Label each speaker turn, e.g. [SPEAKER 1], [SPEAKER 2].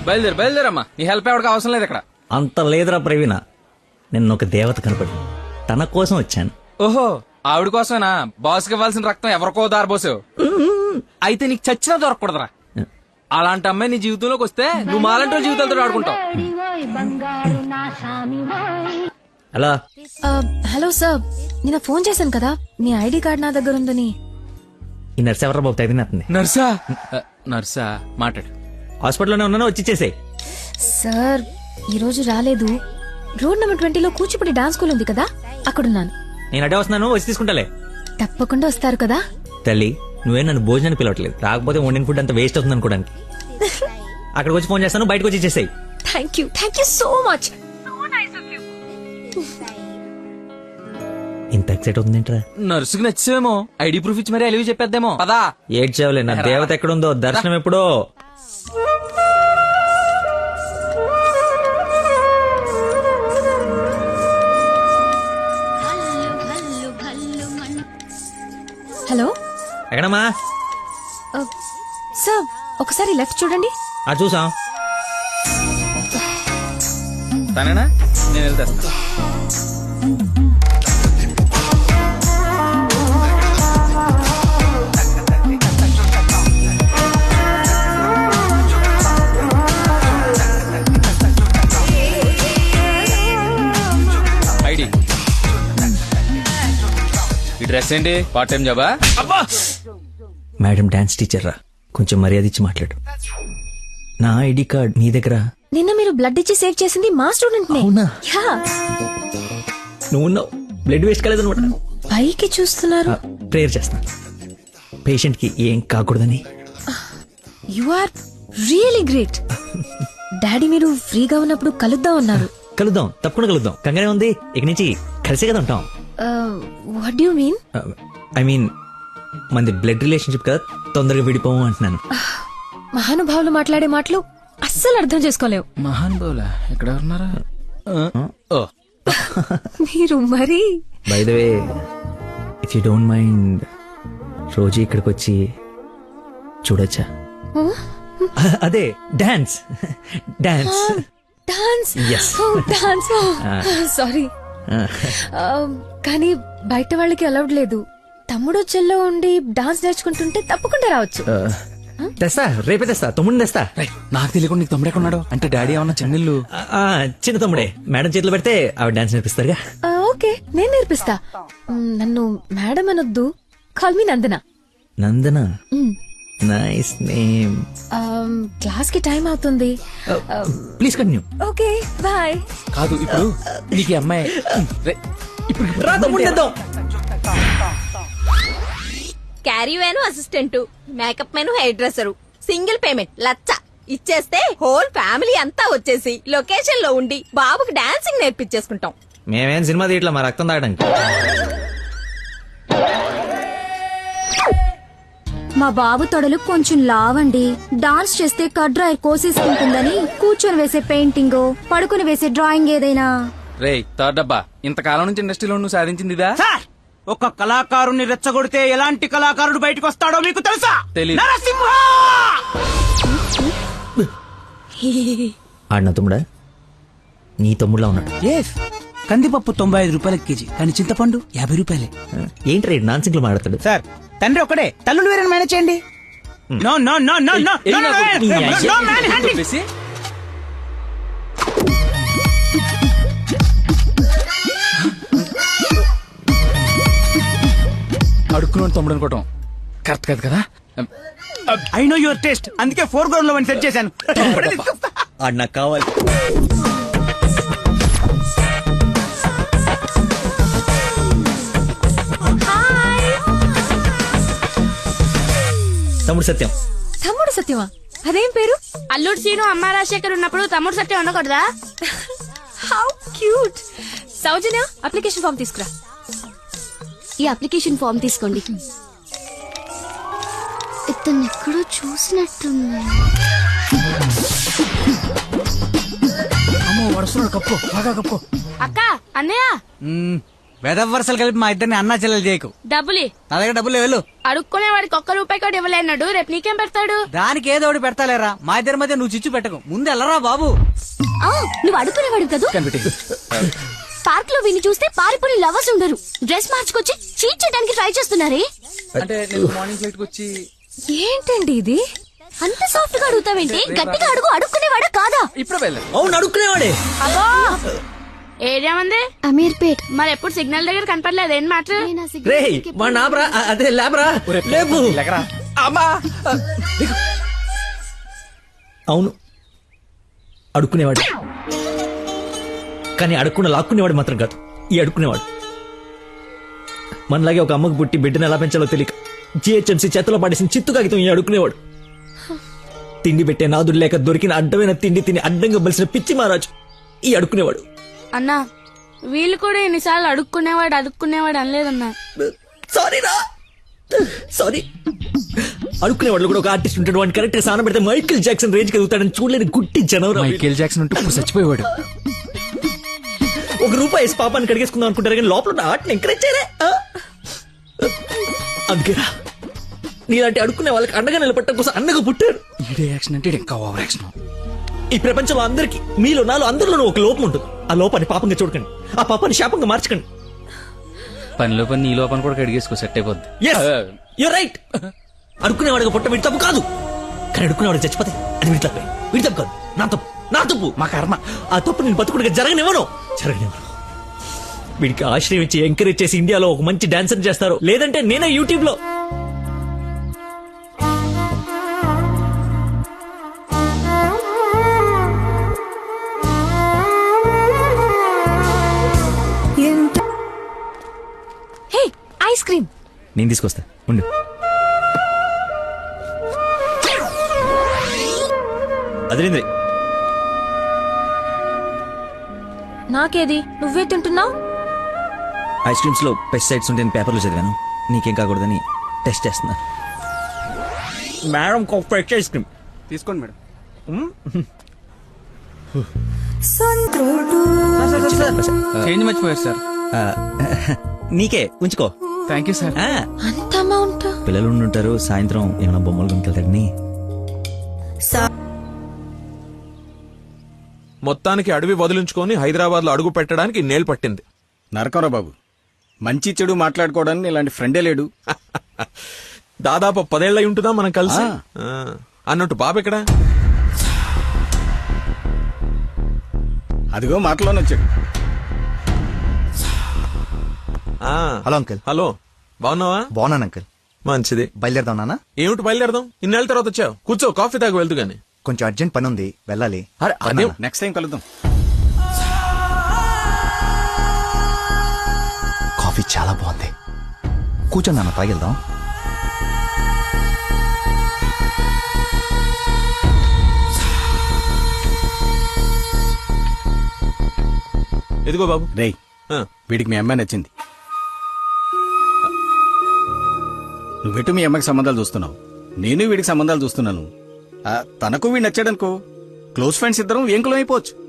[SPEAKER 1] బయలుదేరమ్మా. నీ హెల్ప్ ఎవరికి అవసరం లేదు ఇక్కడ.
[SPEAKER 2] అంత లేదురా ప్రవీణ, నిన్న ఒక దేవత కనపడి తన కోసం వచ్చాను.
[SPEAKER 1] ఓహో, ఆవిడ కోసమేనా? బాస్కి ఇవ్వాల్సిన రక్తం ఎవరికో దారబోసావు. అయితే నీకు చచ్చినా దొరకకూడదురా. అలాంటి అమ్మాయి నీ జీవితంలోకి వస్తే నువ్వు మాలంటి జీవితాలతో ఆడుకుంటావు.
[SPEAKER 2] హలో
[SPEAKER 3] హలో సార్, నిన్న ఫోన్ చేశాను కదా, మీ ఐడి కార్డ్ నా దగ్గర ఉందని.
[SPEAKER 2] ఈ నర్స్ ఎవరు బాబు తగినట్టుంది?
[SPEAKER 1] నర్సా? నర్సా మాట్లాడు.
[SPEAKER 2] హాస్పిటల్లోనే ఉన్నాను, వచ్చి ఇచ్చేసేయ్.
[SPEAKER 3] సార్ ఈ రోజు రాలేదు. రోడ్ నెంబర్ 20లో కూచిపూడి డాన్స్ స్కూల్ ఉంది కదా, అక్కడున్నాను.
[SPEAKER 2] నేను అడే వస్తున్నాను, వచ్చి తీసుకుంటాలే.
[SPEAKER 3] తప్పకుండా వస్తారు కదా.
[SPEAKER 2] తల్లి, నువ్వే నన్ను భోజనాన్ని పిలవట్లేదు, రాకపోతే వండిన ఫుడ్ అంత వేస్ట్ అవుతుంది అనుకోడానికి. అక్కడికి వచ్చి ఫోన్ చేస్తాను, బయటకు వచ్చి ఇచ్చేసేయ్.
[SPEAKER 3] Thank you so much.
[SPEAKER 2] ఇంత ఎక్సైట్ అవుతుందేంట్రా?
[SPEAKER 1] నర్సుకి నచ్చేమో, ఐడి ప్రూఫ్ ఇచ్చి మరీ అలివి చెప్పేద్దేమో. పదా
[SPEAKER 2] ఏడ్చావులే, నా దేవత ఎక్కడుందో, దర్శనం ఎప్పుడో.
[SPEAKER 3] హలో
[SPEAKER 2] ఎక్కడమ్మా?
[SPEAKER 3] సార్ ఒకసారి లెఫ్ట్ చూడండి.
[SPEAKER 2] చూసాం.
[SPEAKER 1] తనేనా? నేను వెళ్తా. ఐడి, ఈ డ్రెస్ ఏంటి? పార్ట్ టైం జాబా?
[SPEAKER 2] మేడం డాన్స్ టీచర్ రా, కొంచెం మర్యాద ఇచ్చి మాట్లాడు. నా ఐడి కార్డ్ నీ దగ్గర.
[SPEAKER 3] నిన్న మీరు బ్లడ్ ఇచ్చి సేవ్ చేసింది మా స్టూడెంట్ నే.
[SPEAKER 2] అవునా?
[SPEAKER 3] యా.
[SPEAKER 2] నువ్వు బ్లడ్ వేస్ట్ కాలేదనమాట.
[SPEAKER 3] పైకి చూస్తున్నారు.
[SPEAKER 2] ప్రేయర్ చేస్తా, పేషెంట్ కి ఏం కాకూడదని.
[SPEAKER 3] You are really great. Daddy మీరు ఫ్రీగా ఉన్నప్పుడు కలుద్దాం అన్నారు.
[SPEAKER 2] కలుద్దాం, తప్పకుండా కలుద్దాం. కంగానే ఉంది, ఇక నుంచి కలిసే కదా ఉంటాం.
[SPEAKER 3] What do you mean?
[SPEAKER 2] I mean మనది బ్లడ్ రిలేషన్షిప్ కదా, తొందరగా విడిపోము అంటున్నాను.
[SPEAKER 3] మహానుభావులు మాట్లాడే మాటలు అస్సలు అర్థం చేసుకోలేవు.
[SPEAKER 1] మహాన్ బౌలా ఎక్కడ ఉన్నారా?
[SPEAKER 3] మీరు మరి.
[SPEAKER 2] By the way, if you don't mind, రోజు ఇక్కడికి వచ్చి చూడొచ్చా? అదే dance. Dance
[SPEAKER 3] dance.
[SPEAKER 2] Yes.
[SPEAKER 3] Dance. Sorry, కానీ బయట వాళ్ళకి అలౌడ్ లేదు. తమ్ముడు చెల్లో ఉండి డాన్స్ నేర్చుకుంటుంటే తప్పకుండా రావచ్చు.
[SPEAKER 2] తెస్తా, రేపే తెస్తా, తమ్ముడిని తెస్తా.
[SPEAKER 1] నాకు తెలియకుండా నీకు తమ్ముడు ఎక్కడున్నాడు? అంటే డాడీ ఏమన్నా చెన్నెళ్ళు?
[SPEAKER 2] చిన్న తమ్ముడే, మేడం చేతిలో పెడితే ఆవిడ డాన్స్ నేర్పిస్తారుగా.
[SPEAKER 3] ఓకే, నేను నేర్పిస్తా. నన్ను మేడం అనొద్దు, call me Nandana.
[SPEAKER 2] Nandana, nice name.
[SPEAKER 3] Class కి టైం అవుతుంది.
[SPEAKER 2] Please continue.
[SPEAKER 3] Okay bye.
[SPEAKER 1] కాదు, ఇప్పుడు నీకు ఈ అమ్మాయి
[SPEAKER 4] caravan assistant, makeup man hair dresser, single payment 1,00,000 ఇచ్చేస్తే హోల్ ఫ్యామిలీ అంతా వచ్చేసి లొకేషన్ లో ఉండి బాబుకి డాన్సింగ్ నేర్పించేసుకుంటాం.
[SPEAKER 2] మేమేం సినిమా తీయట్లా, మా రక్తం తాగడానికి.
[SPEAKER 5] మా బాబు తొడలు కొంచెం లావండి. డాన్స్ చేస్తే కడ్రాయర్ కోసేసుకుంటుందని కూర్చొని వేసే పెయింటింగ్, పడుకుని వేసే డ్రాయింగ్ ఏదైనా.
[SPEAKER 1] రే థర్డ్ డబ్బా, ఇంతకాలం నుంచి ఇండస్ట్రీలో నువ్వు సాధించింది ఇదా?
[SPEAKER 6] ఒక కళాకారుని రెచ్చగొడితే ఎలాంటి కళాకారుడు బయటకు వస్తాడో మీకు తెలుసా?
[SPEAKER 1] తెలీదు.
[SPEAKER 6] నరసింహ!
[SPEAKER 2] ఆడిన తమ్ముడా? నీ తమ్ముడులా ఉన్నాడు.
[SPEAKER 6] కందిపప్పు 95 రూపాయల కేజీ, కానీ చింతపండు 50 రూపాయలే.
[SPEAKER 2] ఏంటి రేడు నాన్ సింగ్లు మాట్లాడతాడు?
[SPEAKER 6] సార్, తండ్రి ఒకడే, తల్లులు వేరే మేనేజ్ చేయండి. No no no no no no man handing.
[SPEAKER 1] అడుక్కున్నాడు తమ్ముడు అనుకోవటం కరెక్ట్ కాదు కదా.
[SPEAKER 6] ఐ నో యువర్ టేస్ట్, అందుకే 4 గ్రౌండ్ లో సెట్ చేశాను.
[SPEAKER 2] ఆడు నాకు కావాలి. తమ్ముడు సత్యం.
[SPEAKER 3] తమ్ముడు సత్యమా? అదేం పేరు?
[SPEAKER 7] అల్లుడు సీను అమ్మ రాజశేఖర్ ఉన్నప్పుడు తమ్ముడు సత్యం ఉండకూడదా?
[SPEAKER 3] How cute. Soujanya, application form తీసుకురా.
[SPEAKER 5] ఈ అప్లికేషన్ ఫామ్ తీసుకోండి. ఇతను ఎక్కడో చూసినట్టుంది.
[SPEAKER 6] అమ్మో, వడుస్తున్నాడు, కప్పు బాగా కప్పు.
[SPEAKER 7] అక్క, అన్నయ్య
[SPEAKER 6] వెదవరసలు కలిపి మా ఇద్దరిని అన్నా చెల్లెలు చేయకు.
[SPEAKER 7] డబ్బులి
[SPEAKER 6] నా దగ్గర డబ్బులు వెళ్ళు.
[SPEAKER 7] అడుక్కునే వాడికి ఒక్క రూపాయి కూడా ఇవ్వలేనాడు. రేపు నీకేం పెడతాడు?
[SPEAKER 6] దానికి ఏదో ఒకటి పెడతాలేరా. మా ఇద్దరి మధ్య నువ్వు చిచ్చు పెట్టకు. ముందు వెళ్ళరా బాబు.
[SPEAKER 5] నువ్వు అడుగునేవాడు కదూ. పార్క్ లో విని చూస్తే పారిపోయి లవర్స్ ఉండరు. డ్రెస్ మార్చుకొచ్చి చీట్ చేయడానికి ట్రై చేస్తున్నారే.
[SPEAKER 1] అంటే నేను మార్నింగ్ ఫ్లైట్ కి వచ్చి
[SPEAKER 3] ఏంటండి ఇది?
[SPEAKER 5] అంత సాఫ్ట్ గా అడుగుతావేంటి? గట్టిగా అడుగు. అడుక్కునేవాడా కాదా?
[SPEAKER 1] ఇప్పుడు వెళ్ళాను.
[SPEAKER 2] అవును అడుక్కునేవాడే.
[SPEAKER 7] అబ్బో ఏరియా మంది
[SPEAKER 5] అమీర్పేట్.
[SPEAKER 7] మరి ఎప్పుడు సిగ్నల్ దగ్గర కనపడలేదు. ఏం మాట?
[SPEAKER 2] రే వాడు నాబ్రా, అదే లేబరా, లేపు.
[SPEAKER 1] అమ్మా
[SPEAKER 2] అవును అడుక్కునేవాడు, కానీ అడుక్కున్న లాక్కునేవాడు మాత్రం కాదు ఈ అడుక్కునేవాడు. మనలాగే ఒక అమ్మకు పుట్టి బిడ్డను ఎలా పెంచాలో తెలియక జిహెచ్ఎంసీ చేతిలో పడేసిన చిత్తు కాగితం ఈ అడుక్కునేవాడు. తిండి పెట్టే నాదుడు లేక దొరికిన అడ్డమైన తిండి తిని అడ్డంగా బలిసిన పిచ్చి మహారాజు ఈ అడుక్కునేవాడు.
[SPEAKER 7] అన్నా వీళ్ళు కూడా ఎన్నిసార్లు అడుక్కునేవాడు అనలేదన్నా.
[SPEAKER 2] సారీరా, సారీ. అడుక్కునేవాడు కూడా ఒక ఆర్టిస్ట్ ఉంటాడు. వాడిని కరెక్ట్ గా సాన పెడితే మైకేల్ జాక్సన్ రేంజ్ ఎదుగుతాడని చూడలేని గుట్టి జనవరం.
[SPEAKER 1] మైకేల్ జాక్సన్ ఉంటే ఇప్పుడు చచ్చిపోయేవాడు.
[SPEAKER 2] ఒక రూపాయి వేసి పాపాన్ని కడిగేసుకుందాం అనుకుంటారు కానీ లోపల ఉన్న ఆర్ట్ని ఎంకరేజ్ చేయలే. అందుకేరా నీలాంటి అడుక్కునే వాళ్ళకి అండగా నిలబట్టడం కోసం అన్నగా పుట్టారు.
[SPEAKER 1] ఈడే యాక్షన్ అంటే ఇంకా ఓవర్ యాక్షన్.
[SPEAKER 2] ఈ ప్రపంచంలో అందరికి మీలో నాలో అందరిలోనూ ఒక లోపం ఉంటుంది. ఆ లోపాన్ని పాపంగా చూడకండి, ఆ పాపాన్ని శాపంగా మార్చకండి.
[SPEAKER 1] పనిలో పని నీ లోపల కూడా కడిగేసుకో, సెట్ అయిపోద్ది.
[SPEAKER 2] You're right. అడుక్కునేవాడిగా పుట్ట వీడి తప్పు కాదు, కానీ అడుక్కునేవాడికి చచ్చిపోతే అది వీడి తప్పే. వీడి తప్పు కాదు, నా తప్పు, నా తప్పు, మా కర్మ. ఆ తప్పు నేను బతుకుడిగా జరగనివ్వను. వీడికి ఆశ్రయం ఇచ్చి ఎంకరేజ్ చేసి ఇండియాలో ఒక మంచి డాన్సర్ చేస్తారు, లేదంటే నేనే యూట్యూబ్ లో.
[SPEAKER 3] Hey, ice cream.
[SPEAKER 2] నేను తీసుకొస్తా ఉండు. అదేంద్రి
[SPEAKER 3] నాకేది? నువ్వే తింటున్నావు.
[SPEAKER 2] ఐస్ క్రీమ్స్ లో పెస్టిసైడ్స్ ఉంటాయని పేపర్లో చదివాను. నీకేం కాకూడదని టెస్ట్ చేస్తున్నా. మేడం ఫ్రెష్ ఐస్ క్రీమ్
[SPEAKER 6] తీసుకోండి మేడం.
[SPEAKER 1] చేంజ్ మర్చిపోయారు సార్.
[SPEAKER 2] నీకే ఉంచుకో.
[SPEAKER 1] Thank you sir.
[SPEAKER 3] అంత అమౌంట్?
[SPEAKER 2] పిల్లలు ఉంటారు, సాయంత్రం ఏమైనా బొమ్మలు కొనుకెళ్తాడని.
[SPEAKER 8] మొత్తానికి అడవి వదిలించుకొని హైదరాబాద్ లో అడుగు పెట్టడానికి నేలు పట్టింది.
[SPEAKER 9] నరకరా బాబు, మంచి చెడు మాట్లాడుకోవడానికి ఇలాంటి ఫ్రెండే లేడు.
[SPEAKER 8] దాదాపు 10 ఏళ్ళై ఉంటుందా మనం కలిసి. అన్నట్టు బాబు ఎక్కడా?
[SPEAKER 9] అదిగో మాటలోనే వచ్చాడు.
[SPEAKER 10] Hello uncle.
[SPEAKER 8] హలో, బాగున్నావా?
[SPEAKER 10] బాగున్నాను అంకుల్.
[SPEAKER 8] మంచిది.
[SPEAKER 10] బయలుదేరదాం నాన్న.
[SPEAKER 8] ఏమిటి బయలుదేరదాం? ఇన్నేళ్ళ తర్వాత వచ్చావు, కూర్చో, కాఫీ తాగి వెళ్తూ గాని.
[SPEAKER 10] కొంచెం అర్జెంట్ పని ఉంది, వెళ్ళాలి.
[SPEAKER 8] అదే
[SPEAKER 9] నెక్స్ట్ టైం కలుద్దాం.
[SPEAKER 10] కాఫీ చాలా బాగుంది. కూర్చొని నాన్న, తాగిద్దాం.
[SPEAKER 8] ఎదిగో బాబు.
[SPEAKER 9] రేయ్, వీడికి మీ అమ్మాయి నచ్చింది. నువ్వెటు మీ అమ్మకి సంబంధాలు చూస్తున్నావు, నేను వీడికి సంబంధాలు చూస్తున్నాను. తనకు వీడు నచ్చాడనుకో, క్లోజ్ ఫ్రెండ్స్ ఇద్దరం ఏంకులం అయిపోవచ్చు.